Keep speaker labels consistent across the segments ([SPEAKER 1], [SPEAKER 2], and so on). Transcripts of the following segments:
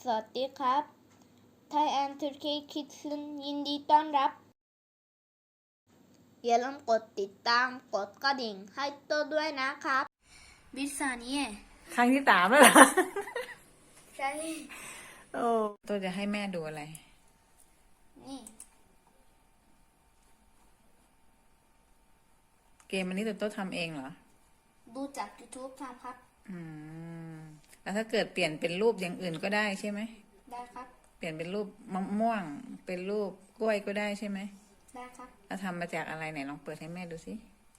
[SPEAKER 1] สวัสดีครับ Thai and Turkey Kids ยินดีต้อนรับ อย่าลืมกดติดตามกดกระดิ่งให้ตัวด้วยนะครับบิสานี
[SPEAKER 2] ครั้งที่3แล้วเหรอ
[SPEAKER 1] ใช่
[SPEAKER 2] โอ้ตัวจะให้แม่ดูอะไร
[SPEAKER 1] นี่
[SPEAKER 2] เกมอันนี้ตัวทำเองเหรอ
[SPEAKER 1] ดูจาก YouTube ครับ
[SPEAKER 2] แล้วถ้าเกิดเปลี่ยนเป็นรูปอย่างอื่นก็ได้ใช่ไหม
[SPEAKER 1] ได้ครับ
[SPEAKER 2] เปลี่ยนเป็นรูปมะม่วง เป็นรูปกล้วยก็ได้ใช่ไหม
[SPEAKER 1] ได้ครับ
[SPEAKER 2] แล้วทำมาจากอะไรไหนลองเปิดให้แม่ดูสิ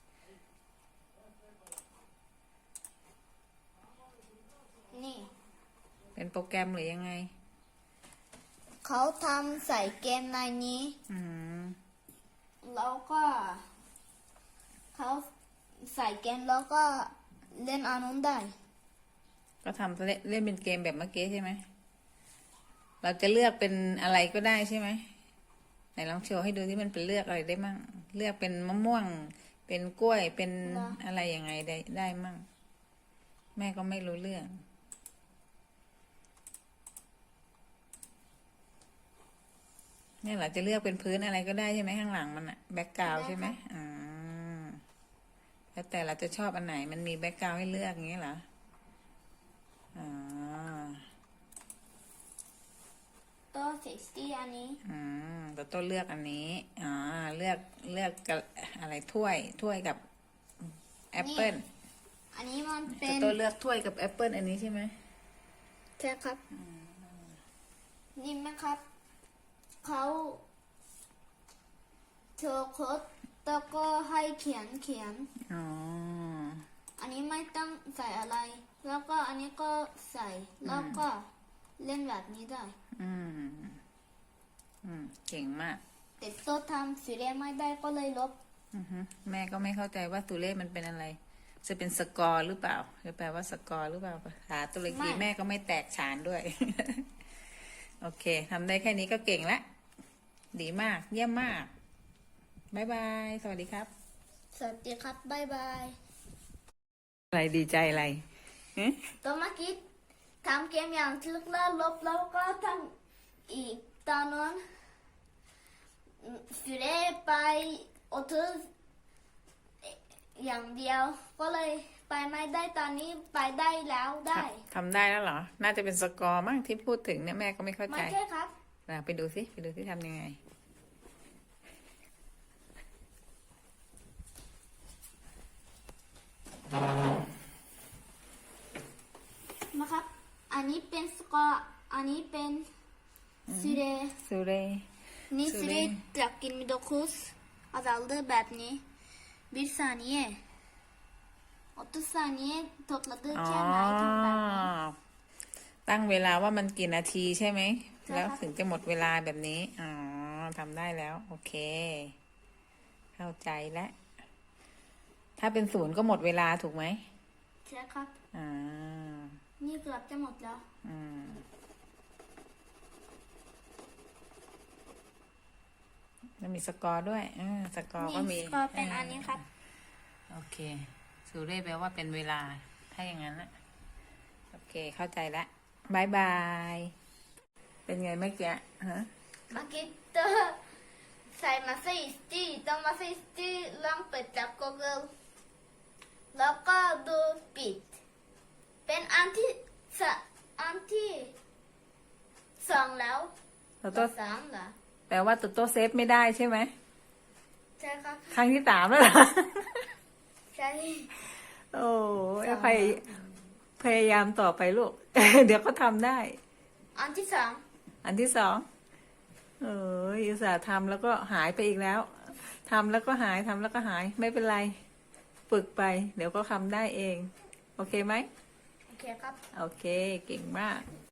[SPEAKER 1] นี่
[SPEAKER 2] เป็นโปรแกรมหรือยังไง
[SPEAKER 1] เขาทำใส่เกมในนี้
[SPEAKER 2] อืม
[SPEAKER 1] แล้วก็เขาใส่เกมแล้วก็เล่นอันนู้นได้
[SPEAKER 2] ก็ทำเล่นเป็นเกมแบบเมื่อกี้ใช่ไหม เราจะเลือกเป็นอะไรก็ได้ใช่ไหม ไหนลองโชว์ให้ดูที่มันเป็นเลือกอะไรได้มั่ง เลือกเป็นมะม่วง เป็นกล้วย เป็นอะไรยังไงได้มั่ง แม่ก็ไม่รู้เรื่อง เนี่ยเราจะเลือกเป็นพื้นอะไรก็ได้ใช่ไหมข้างหลังมันอะแบ็กกราวใช่ไหมแล้วแต่เราจะชอบอันไหนมันมีแบ็กกราวให้เลือกอย่างนี้เหรอ
[SPEAKER 1] ตัว60อันนี้
[SPEAKER 2] ตัวต้นเลือกอันนี้เลือกกับอะไรถ้วยกับแอปเปิ้ล
[SPEAKER 1] อันนี้มันเป็
[SPEAKER 2] ตัวน ต้นเลือกถ้วยกับแอปเปิ้ลอันนี้ใช่ไหม
[SPEAKER 1] ใช่ครับนี่ไหมครับเขาเธอโค้ดแล้วก็ให้เขียนอันนี้ไม่ต้องใส่อะไร แล้วก็อันนี้ก็ใส่แล้วก็เล่นแบบนี้ได้
[SPEAKER 2] เก่งมาก
[SPEAKER 1] แต่ตัวทำสีเรียไม่ได้ก็เลยลบ
[SPEAKER 2] แม่ก็ไม่เข้าใจว่าตัวเลขมันเป็นอะไร จะเป็นสกอร์หรือเปล่าจะแปลว่าสกอร์หรือเปล่าภาษาตุรกีแม่ก็ไม่แตกฉานด้วย โอเคทำได้แค่นี้ก็เก่งละดีมากเยี่ยมมากบ๊ายบายสวัสดีครับ
[SPEAKER 1] สวัสดีครับบ๊ายบาย
[SPEAKER 2] อะไรดีใจอะไร
[SPEAKER 1] ตัวเมื่อกี้ทำเกมอย่างลึกแล้วลบแล้วก็ทำอีกตอนนั้นฟิเรไป30อย่างเดียวก็เลยไปไม่ได้ตอนนี้ไปได้แล้วได้
[SPEAKER 2] ทำได้แล้วเหรอน่าจะเป็นสกอร์มั้งที่พูดถึงเนี่ยแม่ก็ไม่เข้าใจ
[SPEAKER 1] ไม่ใช่ครับ
[SPEAKER 2] ไปดูสิทำยังไง
[SPEAKER 1] มาครับอันนี้เป็นสกอร์อันนี้เป็นsüreนี่süre trakkin 29 azaldıแบบนี้1 saniye 30 saniye topladıkkenแบบนี้
[SPEAKER 2] ตั้งเวลาว่ามันกี่นาทีใช่ไหมแล้วถึงจะหมดเวลาแบบนี้ทำได้แล้วโอเคเข้าใจแล้วถ้าเป็น0ก็หมดเวลาถูกไหม
[SPEAKER 1] ใช่ครับนี่เกือบจะหมดแล้ว
[SPEAKER 2] มันมีสกอร์ด้วยสกอร์ก็มี
[SPEAKER 1] สกอร์เป็นอันนี้ครับ
[SPEAKER 2] โอเคสูเร่แปลว่าเป็นเวลาถ้าอย่างนั้นนะโอเคเข้าใจแล้วบายบายเป็นไงเมื่อกี้ฮะ
[SPEAKER 1] เมื่อกี้ตัวใส่มาซิสตี้ต้องมาซิสตี้ลองเปิดจาก Google แล้วก็ดูปิดเป็นอันที่2แล้ว
[SPEAKER 2] ตัว
[SPEAKER 1] 3เหรอ
[SPEAKER 2] แปลว่าตัวเซฟไม่ได้ใช่ไหม
[SPEAKER 1] ใช่ครับ
[SPEAKER 2] ครั้งที่3แล้วเหรอ
[SPEAKER 1] ใช่
[SPEAKER 2] โอ้พยายามต่อไปลูก เดี๋ยวก็ทำได้
[SPEAKER 1] อันที่
[SPEAKER 2] 2อุตส่าห์ทำแล้วก็หายไปอีกแล้วทำแล้วก็หายไม่เป็นไรฝึกไปเดี๋ยวก็ทำได้เองโอเคไหม
[SPEAKER 1] โอเคครับ
[SPEAKER 2] โอเคเก่งมาก